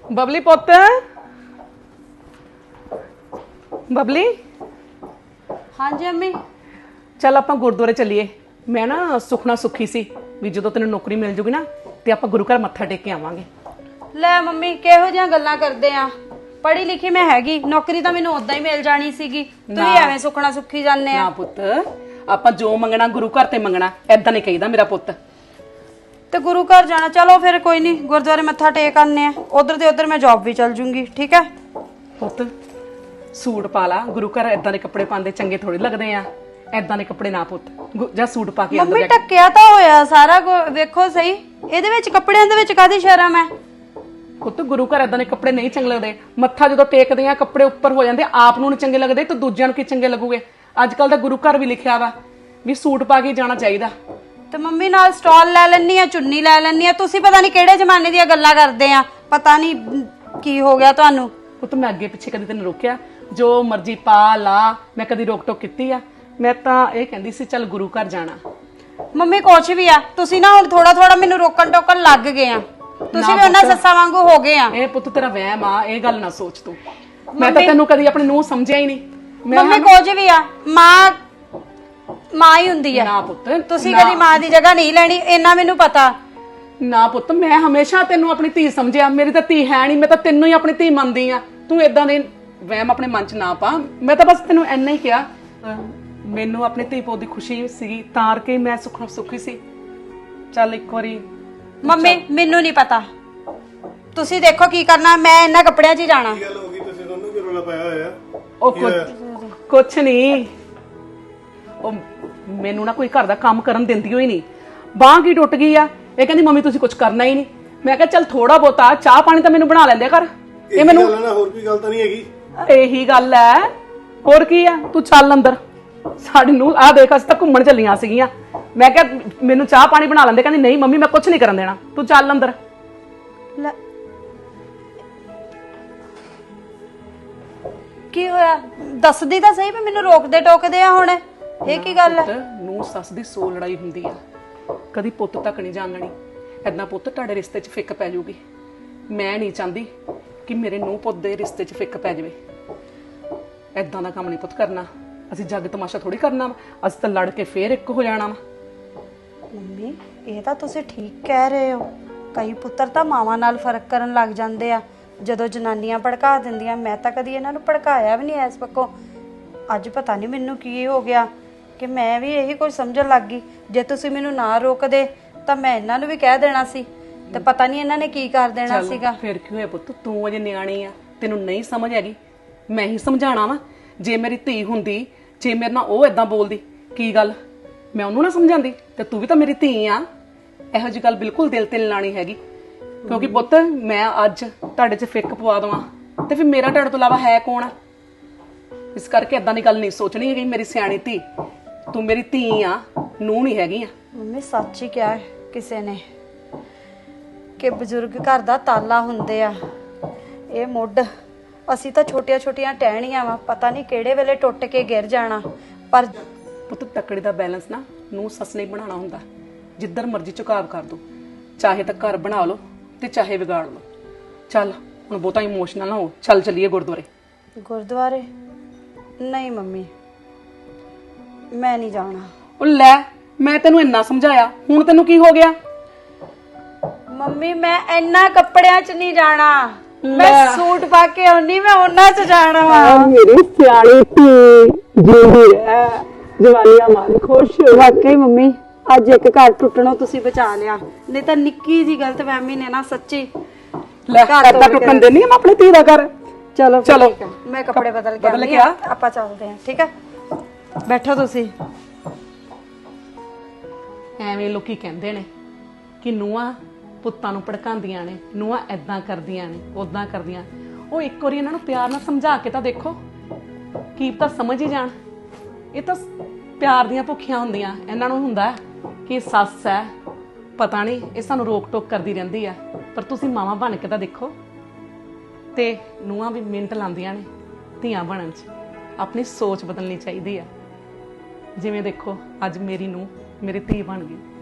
बबली पुत बबली हाँ जी अम्मी। चल आप गुरुद्वारे चलीए। मैं ना सुखना सुखी सी भी जो तेन नौकरी मिल जूगी ना तो आप गुरु घर मत्था टेक के आवांगे। ले मम्मी किहो जिहियां गल्लां करदे आ, पढ़ी लिखी मैं हैगी, नौकरी तो मैनूं उदां ही मिल जानी सीगी, तुसीं एवें सुखना सुखी जाने आ। ना पुत आप जो मंगना गुरु घर ते मंगना, ऐदा नहीं कहीदा मेरा पुत। ते गुरु घर जाना, चलो फिर कोई नहीं गुरुद्वारे मत्था टेक आने, उधर ते उधर मैं जॉब भी चल जूंगी। ठीक है पुत सूट पा ला, गुरु घर ऐदा दे कपड़े पांदे चंगे थोड़ी लगदे आ, ऐदा दे कपड़े ना पुत, जा सूट पा के मम्मी ढक्किया तो होया सारा वेखो सही, इहदे विच कपड़ियां दे विच कादी शर्म है। पुत गुरु घर ऐदा दे कपड़े नहीं चंगे लगदे, मत्था जो टेकदे आ कपड़े उपर हो जांदे, आप नूं नहीं चंगे लगदे तो दूजिआं नूं की चंगे लगूगे। अजकल दा गुरु घर भी लिखिआ वा भी सूट पा के जाना चाहिदा। ते मम्मी नाल स्टॉल लै लैनी आ, चुन्नी लै लैनी आ, तुसीं पता नहीं किहड़े जमाने दी गल्लां करदे आ, पता नहीं की हो गया तुहानूं। पुत मैं अगे पिछे कदी तैनूं रोकिआ, जो मर्जी पा ला, मैं कदी रोक टोक कीती आ? मैं तां इह कहंदी सी चल गुरु घर जाना। मम्मी कुछ भी आ, तुसीं ना हुण थोड़ा थोड़ा मैनूं रोकण टोकण लग गए आ, तुसीं भी उन्हां सੱਸਾਂ वांगू हो गए आ। ਇਹ ਪੁੱਤ ਤੇਰਾ ਵਹਿਮ ਆ, ਇਹ ਗੱਲ ਨਾ ਸੋਚ ਤੂੰ। ਮੈਂ ਤਾਂ ਤੈਨੂੰ ਕਦੀ ਆਪਣੀ ਨੂੰਹ ਸਮਝਿਆ ਹੀ ਨਹੀਂ। ਮੰਮੀ ਕੁਝ ਵੀ ਆ, ਮਾਂ ਹੀ ਹੁੰਦੀ ਆ। ਨਾ ਪੁੱਤ ਤੁਸੀਂ ਕਦੀ ਮਾਂ ਦੀ ਜਗ੍ਹਾ ਨਹੀਂ ਲੈਣੀ, ਇੰਨਾ ਮੈਨੂੰ ਪਤਾ। ਨਾ ਪੁੱਤ ਮੈਂ ਹਮੇਸ਼ਾ ਤੈਨੂੰ ਆਪਣੀ ਧੀ ਸਮਝਿਆ, ਮੇਰੀ ਤਾਂ ਧੀ ਹੈ ਨਹੀਂ, ਮੈਂ ਤਾਂ ਤੈਨੂੰ ਹੀ ਆਪਣੀ ਧੀ ਮੰਨਦੀ ਆ। ਤੂੰ ਇਦਾਂ ਦੇ ਵਹਿਮ ਆਪਣੇ ਮਨ 'ਚ ਨਾ ਪਾ। ਮੈਂ ਤਾਂ ਬਸ ਤੈਨੂੰ ਇੰਨਾ ਹੀ ਕਿਹਾ, ਮੈਨੂੰ ਆਪਣੀ ਧੀ ਪੁੱਤ ਦੀ ਖੁਸ਼ੀ ਸੀਗੀ ਤਾਰ ਕੇ ਮੈਂ ਸੁਖੀ ਸੀ। ਚੱਲ ਇੱਕ ਵਾਰੀ ਮੰਮੀ ਮੈਨੂੰ ਨਹੀਂ ਪਤਾ, ਤੁਸੀਂ ਦੇਖੋ ਕੀ ਕਰਨਾ, ਮੈਂ ਇਹਨਾਂ ਕੱਪੜਿਆਂ 'ਚ ਹੀ ਜਾਣਾ। ਕੀ ਗੱਲ ਹੋ ਗਈ, ਤੁਸੀਂ ਦੋਨੋਂ ਕੀ ਰੋਲਾ ਪਾਇਆ ਹੋਇਆ? ਉਹ ਕੁਛ ਨਹੀਂ, ਉਹ ਮੈਨੂੰ ਨਾ ਕੋਈ ਘਰ ਦਾ ਕੰਮ ਕਰਨ ਦਿੰਦੀ ਹੋਈ ਨਹੀਂ, ਬਾਂਹ ਕੀ ਟੁੱਟ ਗਈ ਆ। ਇਹ ਕਹਿੰਦੀ ਮੰਮੀ ਤੁਸੀਂ ਕੁਝ ਕਰਨਾ ਹੀ ਨਹੀਂ। ਮੈਂ ਕਿਹਾ ਚੱਲ ਥੋੜਾ ਬਹੁਤਾ ਚਾਹ ਪਾਣੀ ਤਾਂ ਮੈਨੂੰ ਬਣਾ ਲੈਂਦੇ ਕਰ। ਇਹ ਮੈਨੂੰ ਹੋਰ ਕੋਈ ਗੱਲ ਤਾਂ ਨਹੀਂ ਹੈਗੀ? ਇਹੀ ਗੱਲ ਹੈ, ਹੋਰ ਕੀ ਆ। ਤੂੰ ਚੱਲ ਅੰਦਰ, ਸਾਡੀ ਨੂੰ ਆਹ ਦੇਖ ਅਸੀਂ ਤਾਂ ਘੁੰਮਣ ਚੱਲੀਆਂ ਸੀਗੀਆਂ। ਮੈਂ ਕਿਹਾ ਮੈਨੂੰ ਚਾਹ ਪਾਣੀ ਬਣਾ ਲੈਂਦੇ, ਕਹਿੰਦੀ ਨਹੀਂ ਮੰਮੀ ਮੈਂ ਕੁਝ ਨਹੀਂ ਕਰਨ ਦੇਣਾ, ਤੂੰ ਚੱਲ ਅੰਦਰ। ਕੀ ਹੋਇਆ ਦੱਸਦੀ ਤਾਂ ਸਹੀ, ਵੀ ਮੈਨੂੰ ਰੋਕਦੇ ਟੋਕਦੇ ਆ ਹੁਣ, ਇਹ ਕੀ ਗੱਲ ਹੈ? ਨੂੰ ਸੱਸ ਦੀ ਸੌ ਲੜਾਈ ਹੁੰਦੀ ਆ, ਕਦੀ ਪੁੱਤ ਤੱਕ ਨਹੀਂ ਜਾਣਣੀ। ਏਦਾਂ ਪੁੱਤ ਤੁਹਾਡੇ ਰਿਸ਼ਤੇ 'ਚ ਫਿੱਕ ਪੈ ਜਾਊਗੀ। ਮੈਂ ਨਹੀਂ ਚਾਹੁੰਦੀ ਕਿ ਮੇਰੇ ਨੂੰਹ ਪੁੱਤ ਦੇ ਰਿਸ਼ਤੇ 'ਚ ਫਿੱਕ ਪੈ ਜਾਵੇ। ਏਦਾਂ ਦਾ ਕੰਮ ਨਹੀਂ ਪੁੱਤ ਕਰਨਾ, ਅਸੀਂ ਜੱਗ ਤਮਾਸ਼ਾ ਥੋੜੀ ਕਰਨਾ ਵਾ, ਅਸੀਂ ਤਾਂ ਲੜ ਕੇ ਫੇਰ ਇੱਕ ਹੋ ਜਾਣਾ ਵਾ। ਮੰਮੀ ਇਹ ਤਾਂ ਤੁਸੀਂ ਠੀਕ ਕਹਿ ਰਹੇ ਹੋ, ਕਈ ਪੁੱਤਰ ਤਾਂ ਮਾਵਾਂ ਨਾਲ ਫਰਕ ਕਰਨ ਲੱਗ ਜਾਂਦੇ ਆ ਜਦੋਂ ਜਨਾਨੀਆਂ ਭੜਕਾ ਦਿੰਦੀਆਂ। ਮੈਂ ਤਾਂ ਕਦੀ ਇਹਨਾਂ ਨੂੰ ਭੜਕਾਇਆ ਵੀ ਨਹੀਂ ਇਸ ਪੱਖੋਂ। ਅੱਜ ਪਤਾ ਨਹੀਂ ਮੈਨੂੰ ਕੀ ਹੋ ਗਿਆ ਕਿ ਮੈਂ ਵੀ ਇਹੀ ਕੁਝ ਸਮਝਣ ਲੱਗ ਗਈ। ਜੇ ਤੁਸੀਂ ਮੈਨੂੰ ਨਾ ਰੋਕਦੇ ਤਾਂ ਮੈਂ ਇਹਨਾਂ ਨੂੰ ਵੀ ਕਹਿ ਦੇਣਾ ਸੀ, ਤੇ ਪਤਾ ਨਹੀਂ ਇਹਨਾਂ ਨੇ ਕੀ ਕਰ ਦੇਣਾ ਸੀਗਾ। ਫਿਰ ਕੀ ਹੋਇਆ ਪੁੱਤ, ਤੂੰ ਅਜੇ ਨਿਆਣੀ ਆ, ਤੈਨੂੰ ਨਹੀਂ ਸਮਝ ਹੈਗੀ, ਮੈਂ ਹੀ ਸਮਝਾਣਾ ਵਾ। ਜੇ ਮੇਰੀ ਧੀ ਹੁੰਦੀ, ਜੇ ਮੇਰੇ ਨਾਲ ਉਹ ਏਦਾਂ ਬੋਲਦੀ, ਕੀ ਗੱਲ ਮੈਂ ਉਹਨੂੰ ਨਾ ਸਮਝਾਉਂਦੀ? ਤੇ ਤੂੰ ਵੀ ਤਾਂ ਮੇਰੀ ਧੀ ਆ। ਇਹੋ ਜਿਹੀ ਗੱਲ ਬਿਲਕੁਲ ਦਿਲ ਤੇ ਲਾਣੀ ਹੈਗੀ, ਕਿਉਂਕਿ ਪੁੱਤ ਮੈਂ ਅੱਜ ਤੁਹਾਡੇ 'ਚ ਫਿੱਕ ਪਵਾ ਦਵਾਂ ਤੇ ਫਿਰ ਮੇਰਾ ਤੁਹਾਡੇ ਤੋਂ ਇਲਾਵਾ ਹੈ ਕੌਣ ਆ? ਇਸ ਕਰਕੇ ਏਦਾਂ ਦੀ ਗੱਲ ਨਹੀਂ ਸੋਚਣੀ ਹੈਗੀ। ਮੇਰੀ ਸਿਆਣੀ ਧੀ, ਤੂੰ ਮੇਰੀ ਧੀ ਆ, ਨੂੰਹ ਨਹੀਂ ਹੈਗੀ ਆ। ਮੰਮੀ ਸੱਚ ਹੀ ਕਿਹਾ ਕਿਸੇ ਨੇ ਕਿ ਬਜ਼ੁਰਗ ਘਰ ਦਾ ਤਾਲਾ ਹੁੰਦੇ ਆ, ਇਹ ਮੁੱਢ। ਅਸੀਂ ਤਾਂ ਛੋਟੀਆਂ ਛੋਟੀਆਂ ਟਹਿਣੀਆਂ ਵਾ, ਪਤਾ ਨਹੀਂ ਕਿਹੜੇ ਵੇਲੇ ਟੁੱਟ ਕੇ ਗਿਰ ਜਾਣਾ। ਪਰ ਪੁੱਤ ਤੱਕੜੀ ਦਾ ਬੈਲੈਂਸ ਨਾ ਨੂੰ ਸੱਸ ਨੇ ਬਣਾਉਣਾ ਹੁੰਦਾ। ਜਿੱਧਰ ਮਰਜ਼ੀ ਝੁਕਾਵ ਕਰ ਦੋ, ਚਾਹੇ ਤਾਂ ਘਰ ਬਣਾ ਲਓ ਤੇ ਚਾਹੇ ਵਿਗਾੜ ਲਓ। ਚੱਲ ਹੁਣ ਬਹੁਤਾ ਇਮੋਸ਼ਨਲ ਨਾ ਹੋ, ਚੱਲ ਚੱਲੀਏ ਗੁਰਦੁਆਰੇ। ਗੁਰਦੁਆਰੇ ਨਹੀਂ ਮੰਮੀ, ਮੈਂ ਨਹੀਂ ਜਾਣਾ। ਉਹ ਲੈ, ਮੈਂ ਤੈਨੂੰ ਇੰਨਾ ਸਮਝਾਇਆ, ਹੁਣ ਤੈਨੂੰ ਕੀ ਹੋ ਗਿਆ? ਮੰਮੀ ਮੈਂ ਇੰਨਾ ਕੱਪੜਿਆਂ 'ਚ ਨਹੀਂ ਜਾਣਾ, ਮੈਂ ਸੂਟ ਪਾ ਕੇ ਆਉਣੀ, ਮੈਂ ਉਹਨਾਂ 'ਚ ਜਾਣਾ ਵਾ। ਮੇਰੀ ਸਿਆਣੀ ਧੀ ਜਿੰਦੀ ਹੈ, ਜਵਾਨੀਆਂ ਮਾਰ ਖੁਸ਼। ਵਾਕਈ ਮੰਮੀ ਅੱਜ ਇੱਕ ਘਰ ਟੁੱਟਣੋਂ ਤੁਸੀਂ ਬਚਾ ਲਿਆ, ਨਹੀਂ ਤਾਂ ਨਿੱਕੀ ਜੀ ਗਲਤਫਹਿਮੀ ਨੇ ਨਾ ਸੱਚੀ ਲੈ ਘਰ ਤਾਂ ਟੁੱਟਣ ਦੇਣੀ ਮੈਂ ਆਪਣੀ ਧੀ ਦਾ ਘਰ। ਚਲੋ ਚਲੋ ਮੈਂ ਕੱਪੜੇ ਬਦਲ ਕੇ ਆਉਂਦੀ ਆ, ਹਾਂ, ਆਪਾਂ ਚੱਲਦੇ ਹਾਂ। ਠੀਕ ਹੈ ਬੈਠੋ ਤੁਸੀਂ। ਐਵੇਂ ਲੋਕੀ ਕਹਿੰਦੇ ਨੇ ਕਿ ਨੂੰਹਾਂ ਪੁੱਤਾਂ ਨੂੰ ਭੜਕਾਉਂਦੀਆਂ ਨੇ, ਨੂੰਹਾਂ ਐਦਾਂ ਕਰਦੀਆਂ ਨੇ, ਉਦਾਂ ਕਰਦੀਆਂ। ਉਹ ਇੱਕ ਵਾਰੀ ਇਹਨਾਂ ਨੂੰ ਪਿਆਰ ਨਾਲ ਸਮਝਾ ਕੇ ਤਾਂ ਦੇਖੋ, ਕੀ ਪਤਾ ਸਮਝ ਹੀ ਜਾਣ। ਇਹ ਤਾਂ ਪਿਆਰ ਦੀਆਂ ਭੁੱਖੀਆਂ ਹੁੰਦੀਆਂ। ਇਹਨਾਂ ਨੂੰ ਹੁੰਦਾ ਕਿ ਸੱਸ ਹੈ, ਪਤਾ ਨਹੀਂ ਇਹ ਸਾਨੂੰ ਰੋਕ ਟੋਕ ਕਰਦੀ ਰਹਿੰਦੀ ਆ, ਪਰ ਤੁਸੀਂ ਮਾਵਾਂ ਬਣ ਕੇ ਤਾਂ ਦੇਖੋ। ਤੇ ਨੂੰਹਾਂ ਵੀ ਮਿੰਟ ਲਾਉਂਦੀਆਂ ਨੇ ਧੀਆਂ ਬਣਨ 'ਚ। ਆਪਣੀ ਸੋਚ ਬਦਲਣੀ ਚਾਹੀਦੀ ਆ। ਜਿਵੇਂ ਦੇਖੋ ਅੱਜ ਮੇਰੀ ਨੂੰਹ ਮੇਰੀ ਧੀ ਬਣ ਗਈ।